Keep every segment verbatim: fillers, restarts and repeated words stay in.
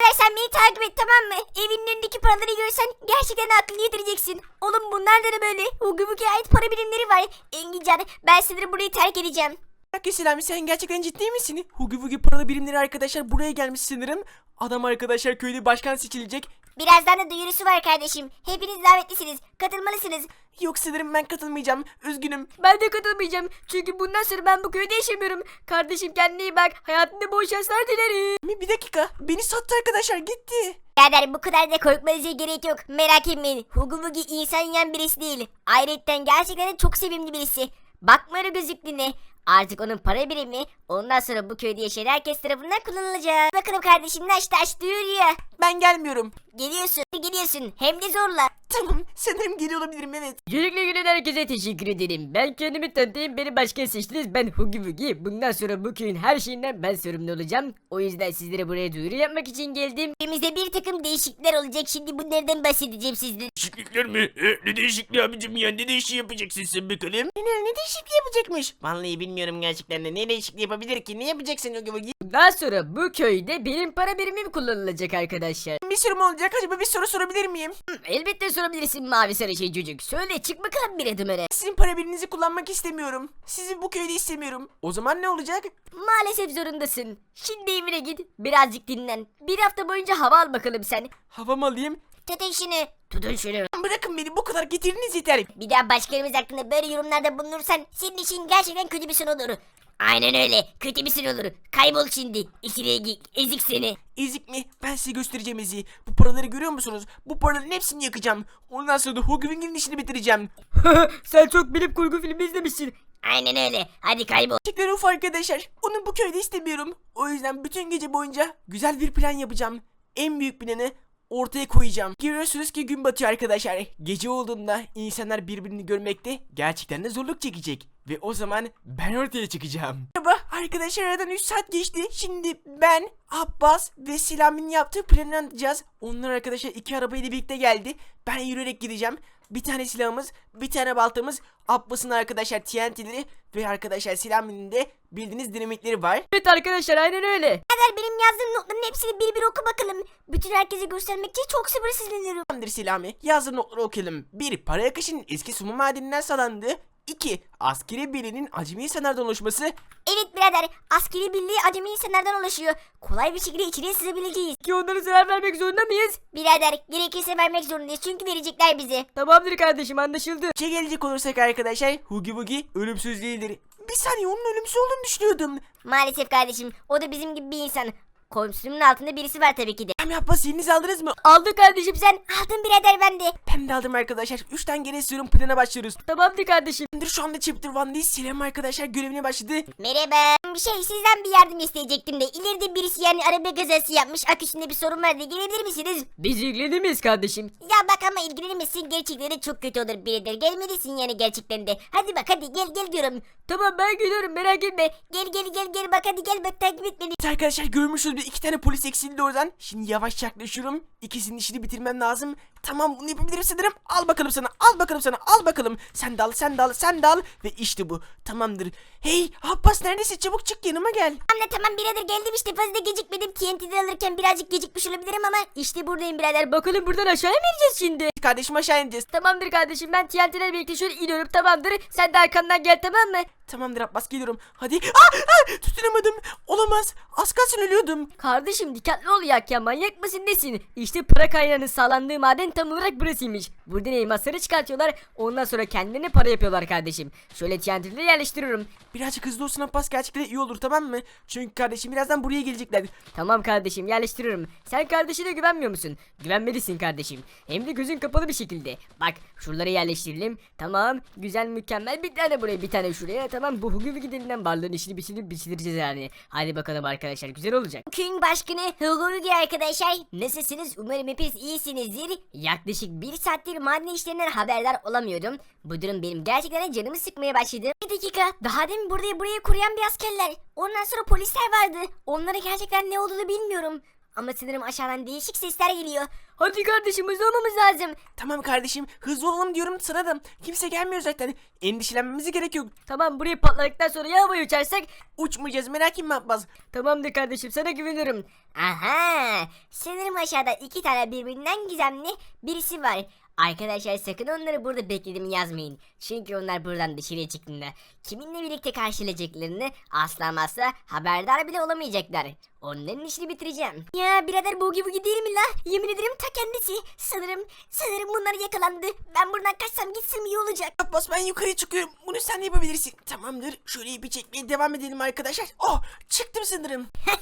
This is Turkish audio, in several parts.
Birader sen beni takip et, tamam mı? Evinin önündeki paraları görsen gerçekten aklını yitireceksin. Oğlum bunlar da ne böyle? Hugi Bugi'ye ait para birimleri var. Engincan, ben sanırım burayı terk edeceğim. Bak Selami, sen gerçekten ciddi misin? Hugi Bugi paralı birimleri arkadaşlar buraya gelmiş sanırım. Adam arkadaşlar köyde başkan seçilecek. Birazdan da duyurusu var kardeşim. Hepiniz davetlisiniz. Katılmalısınız. Yok sanırım ben katılmayacağım. Üzgünüm. Ben de katılmayacağım. Çünkü bundan sonra ben bu köyde yaşamıyorum. Kardeşim kendine iyi bak. Hayatında bol şanslar dilerim. Bir dakika. Beni sattı arkadaşlar, gitti. Birader bu kadar da korkmanıza gerek yok. Merak etmeyin. Hugi Bugi insan yiyen birisi değil. Ayrıca gerçekten de çok sevimli birisi. Bakma öyle gözüklüğüne. Artık onun para birimi ondan sonra bu köyde yaşayan herkes tarafından kullanılacak. Bakalım kardeşim, taş taş duyuruyor. Ben gelmiyorum. Geliyorsun geliyorsun hem de zorla. Tamam, sanırım geliyor olabilirim, evet. Öncelikle gülen herkese teşekkür ederim. Ben kendimi tanıtayım, beni başkan seçtiniz. Ben Hugi Bugi. Bundan sonra bu köyün her şeyinden ben sorumlu olacağım. O yüzden sizlere buraya duyuru yapmak için geldim. Elimizde bir takım değişiklikler olacak. Şimdi bunlardan bahsedeceğim sizlere. Değişiklikler mi? E, ne değişikliği abicim ya? Ne değişikliği yapacaksın sen bakalım? Ne, ne değişikliği yapacakmış? Vallahi bilmiyorum gerçekten de. Ne değişikliği yapabilir ki? Ne yapacaksın Hugi Bugi? Bundan sonra bu köyde benim para birimim kullanılacak arkadaşlar. Bir sorum olacak. Acaba bir soru sorabilir miyim? Hı, elbette sorabilirsin mavi sarı şey çocuk. Söyle, çık bakalım bir adım öne. Sizin para birinizi kullanmak istemiyorum. Sizi bu köyde istemiyorum. O zaman ne olacak? Maalesef zorundasın. Şimdi evine git, birazcık dinlen. Bir hafta boyunca hava al bakalım sen. Hava mı alayım? Tutun şunu. Tutun şunu. Bırakın beni, bu kadar getiriniz yeter. Bir daha başkalarımız hakkında böyle yorumlarda bulunursan senin için gerçekten kötü bir son olur. Aynen öyle. Kötü bir son olur. Kaybol şimdi. İçine git. Ezik seni. Ezik mi? Ben size göstereceğim eziği. Bu paraları görüyor musunuz? Bu paraların hepsini yakacağım. Ondan sonra da Hugi Bugi'nin işini bitireceğim. Sen çok bilim kurgu filmi izlemişsin. Aynen öyle. Hadi kaybol. Gerçekten uf arkadaşlar. Onu bu köyde istemiyorum. O yüzden bütün gece boyunca güzel bir plan yapacağım. En büyük planı ortaya koyacağım. Görüyorsunuz ki gün batıyor arkadaşlar. Gece olduğunda insanlar birbirini görmekte gerçekten de zorluk çekecek. Ve o zaman ben ortaya çıkacağım. Merhaba arkadaşlar, aradan üç saat geçti. Şimdi ben, Abbas ve Selami'nin yaptığı planı anlatacağız. Onlar arkadaşlar iki arabayla birlikte geldi. Ben yürüyerek gideceğim. Bir tane silahımız, bir tane baltamız, Abbas'ın arkadaşlar T N T'leri ve arkadaşlar Selami'nin de bildiğiniz dinamitleri var. Evet arkadaşlar, aynen öyle. Birader benim yazdığım notların hepsini bir bir oku bakalım. Bütün herkese göstermek için çok sabırsızlanıyorum. Tamamdır Selami. Yazdığın notları okuyalım. bir. Para akışının eski sumu madeninden sağlandığı. iki. Askeri birliğinin acemi insanlardan oluşması. Evet birader, askeri birliği acemi insanlardan oluşuyor. Kolay bir şekilde içine sızabileceğiz. Ki onlara zarar vermek zorunda mıyız? Birader gerekirse vermek zorundayız çünkü verecekler bize. Tamamdır kardeşim, anlaşıldı. Şey gelecek olursak arkadaşlar, Hugi Bugi ölümsüz değildir. Bir saniye, onun ölümsüz olduğunu düşünüyordum. Maalesef kardeşim, o da bizim gibi bir insan. Komşunun altında birisi var tabii ki de. Hem Abbas, elinizi aldınız mı? Aldı kardeşim sen. Aldın birader ben de. Ben de aldım arkadaşlar. üç tane geri istiyorum, plana başlıyoruz. Tamamdır kardeşim. Tamamdır, şu anda Chapter One'dayız. Selam arkadaşlar, görevine başladı. Merhaba. Bir şey, sizden bir yardım isteyecektim de. İleride birisi yani araba kazası yapmış. Aküsünde bir sorun var diye gelebilir misiniz? Biz ilgilenir miyiz kardeşim? Ya bak ama ilgilenirmişsin, gerçekten de çok kötü olur birader. Gelmelisin yani gerçekten de. Hadi bak hadi gel gel diyorum. Tamam, ben geliyorum, merak etme. Gel gel gel gel bak hadi gel bak takip et beni. Evet arkadaşlar, görmüşsünüz bir iki tane polis eksildi oradan. Şimdi yavaş yaklaşıyorum. İkisinin işini bitirmem lazım. Tamam, bunu yapabilirim sanırım. Al bakalım sana, al bakalım sana, al bakalım. Sen de al, sen de al, sen de al. Ve işte bu. Tamamdır. Hey Abbas, neredesin? Çabuk çık, yanıma gel. Anne tamam birader geldim işte, fazla gecikmedim. T N T'de alırken birazcık gecikmiş olabilirim ama işte buradayım birader. Bakalım buradan aşağıya mı ineceğiz şimdi? Kardeşim, aşağı ineceğiz. Tamamdır kardeşim, ben T N T'lerle birlikte şöyle iniyorum, tamamdır. Sen de arkamdan gel, tamam mı? Tamamdır Abbas, geliyorum. Hadi. Aa, aa, tutunamadım. Olamaz. Az kalsın ölüyordum. Kardeşim dikkatli ol ya, ya manyak mısın nesin? İşte para kaynağının sağlandığı maden tam olarak burasıymış. Buradan elmasları çıkartıyorlar, ondan sonra kendilerine para yapıyorlar kardeşim. Şöyle T N T'leri yerleştiriyorum. Birazcık hızlı olsun Abbas, gerçekten iyi olur, tamam mı? Çünkü kardeşim birazdan buraya gelecekler. Tamam kardeşim, yerleştiriyorum. Sen kardeşine güvenmiyor musun? Güvenmelisin kardeşim. Hem de gözün kapalı bir şekilde. Bak şuraları yerleştirelim. Tamam, güzel, mükemmel, bir tane buraya, bir tane şuraya. Tamam, bu Hugi Bugi denilen varlığın işini bitirip bitireceğiz yani. Hadi bakalım arkadaşlar, güzel olacak. Köyün başkanı Hugo Bugi arkadaşlar. Nasılsınız? Umarım hepiniz iyisinizdir. Yaklaşık bir saattir maden işlerinden haberdar olamıyordum. Bu durum benim gerçekten canımı sıkmaya başladı. Bir dakika. Daha demin burayı buraya kuruyan bir askerler. Ondan sonra polisler vardı. Onlara gerçekten ne olduğunu bilmiyorum. Ama sanırım aşağıdan değişik sesler geliyor. Hadi kardeşim hızlı olmamız lazım. Tamam kardeşim, hızlı olalım diyorum sana da. Kimse gelmiyor zaten. Endişelenmemize gerek yok. Tamam, burayı patladıktan sonra ya havaya uçarsak? Uçmayacağız, merak etme Abbas. Tamamdır kardeşim, sana güveniyorum. Aha! Sanırım aşağıda iki tane birbirinden gizemli birisi var. Arkadaşlar sakın onları burada beklediğimi yazmayın. Çünkü onlar buradan dışarıya çıktığında kiminle birlikte karşılayacaklarını asla asla haberdar bile olamayacaklar. Onların işini bitireceğim. Ya birader Bugi Bugi değil mi la? Yemin ederim ta kendisi. Sanırım, sanırım bunlar yakalandı. Ben buradan kaçsam gitsem iyi olacak. Abbas ben yukarı çıkıyorum. Bunu sen de yapabilirsin. Tamamdır. Şöyle ipi çekmeye devam edelim arkadaşlar. Oh, çıktım sanırım.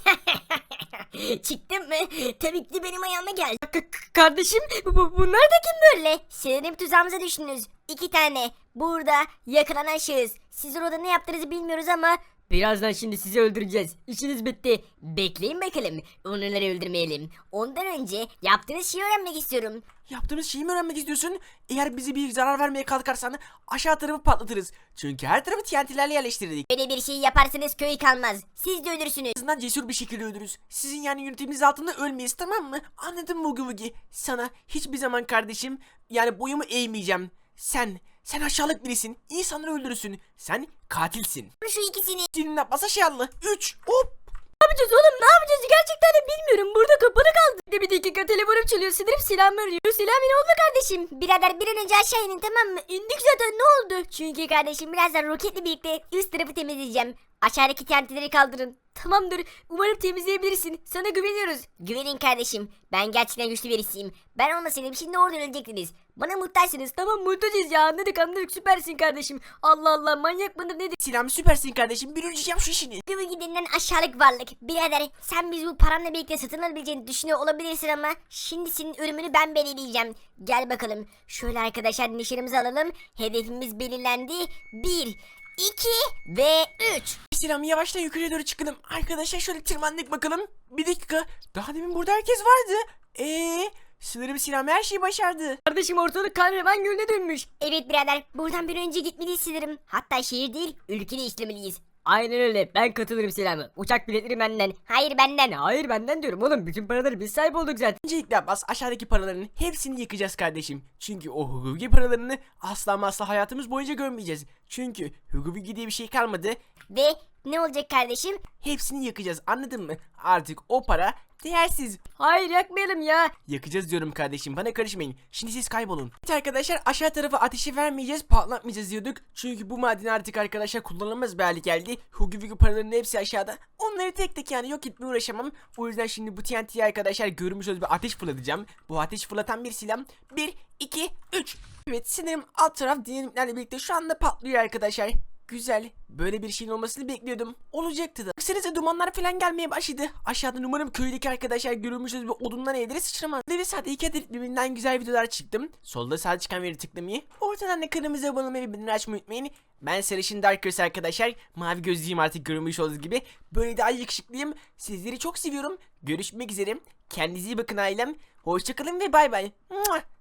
Çıktın mı? Tabii ki de benim ayağıma gel. K- k- kardeşim bu, bu- bunlar da kim? Böyle sanırım tuzağımıza düştünüz. İki tane burada yakalanan şahıs. Siz orada ne yaptığınızı bilmiyoruz ama Birazdan şimdi sizi öldüreceğiz. İşiniz bitti. bekleyin bakalım. Onları öldürmeyelim. Ondan önce yaptığınız şeyi öğrenmek istiyorum. Yaptığımız şeyi mi öğrenmek istiyorsun? Eğer bize bir zarar vermeye kalkarsan aşağı tarafı patlatırız. Çünkü her tarafı T N T'lerle yerleştirdik. Böyle bir şey yaparsanız köy kalmaz. Siz de ölürsünüz. En azından cesur bir şekilde ölürüz. Sizin yani yönetiminiz altında ölmeyiz, tamam mı? Anladın mı Ugi Bugi? Sana hiçbir zaman kardeşim yani boyumu eğmeyeceğim. Sen, sen aşağılık birisin. İnsanları öldürürsün. Sen katilsin. Şu ikisini. Senin Abbas aşağılığı. Üç. Hop. Ne yapacağız oğlum, ne yapacağız gerçekten de bilmiyorum. Burada kapalı kaldı. Bir, bir dakika, telefonum çalıyor. Sanırım silahımı arıyor. Silahım ne oldu kardeşim? Birader bir an önce aşağı inin, tamam mı? İndik zaten, ne oldu? Çünkü kardeşim birazdan roketle birlikte üst tarafı temizleyeceğim. Aşağıdaki tentileri kaldırın. Tamamdır, umarım temizleyebilirsin. Sana güveniyoruz. Güvenin kardeşim. Ben gerçekten güçlü birisiyim. Ben olmasaydım şimdi orada ölecektiniz. Bana muhtaçsınız. Tamam, muhtacız ya, anladık anladık, süpersin kardeşim. Allah Allah, manyak mıdır nedir? Silahım süpersin kardeşim. Bir önce yap şu işini. Gibi gidilen aşağılık varlık. Birader sen biz bu paranla birlikte satın alabileceğini düşünüyor olabilirsin ama şimdi senin ölümünü ben belirleyeceğim. Gel bakalım. Şöyle arkadaşlar nişanımızı alalım. Hedefimiz belirlendi. Bir, iki ve üç. Silahımı yavaştan yukarıya doğru çıkalım. Arkadaşlar şöyle tırmandık bakalım. Bir dakika. Daha demin burada herkes vardı. Eee? Sanırım silahım her şeyi başardı. Kardeşim ortalık kan revan gölüne dönmüş. Evet birader buradan bir önce gitmeliyiz sanırım. Hatta şehir değil ülke değiştirmeliyiz. Aynen öyle, ben katılırım silahımı. Uçak biletleri benden. Hayır benden. Hayır, benden diyorum oğlum, bütün paraları biz sahip olduk zaten. Öncelikle Abbas aşağıdaki paraların hepsini yıkacağız kardeşim. Çünkü o hukuki paralarını asla ama asla hayatımız boyunca görmeyeceğiz. Çünkü hukuki diye bir şey kalmadı. Ve ne olacak kardeşim? Hepsini yakacağız, anladın mı? Artık o para değersiz. Hayır, yakmayalım ya. Yakacağız diyorum kardeşim, bana karışmayın. Şimdi siz kaybolun. Evet arkadaşlar, aşağı tarafa ateşi vermeyeceğiz, patlatmayacağız diyorduk. Çünkü bu maden artık arkadaşlar kullanılmaz bir hale geldi. Hukuki paraların hepsi aşağıda. Onları tek tek yani yok etmeye uğraşamam. O yüzden şimdi bu T N T'yi arkadaşlar görmüş olduğunuz bir ateş fırlatacağım. Bu ateş fırlatan bir silah. bir, iki, üç. Evet sanırım alt taraf dinamiklerle birlikte şu anda patlıyor arkadaşlar. Güzel. Böyle bir şeyin olmasını bekliyordum. Olacaktı da. Baksanıza dumanlar falan gelmeye başladı. Aşağıdan umarım köydeki arkadaşlar görülmüşüz bir odundan evlere sıçramaz. Ve sadece iki adet birbirinden güzel videolar çıktım. Solda sağ çıkan veri tıklamayı. Ortadan da kanalımıza abone olmayı ve bildirimleri açmayı unutmayın. Ben sarışın Darkers arkadaşlar. Mavi gözlüyüm artık görünmüş olduğunuz gibi. Böyle daha yakışıklıyım. Sizleri çok seviyorum. Görüşmek üzere. Kendinize iyi bakın ailem. Hoşçakalın ve bay bay.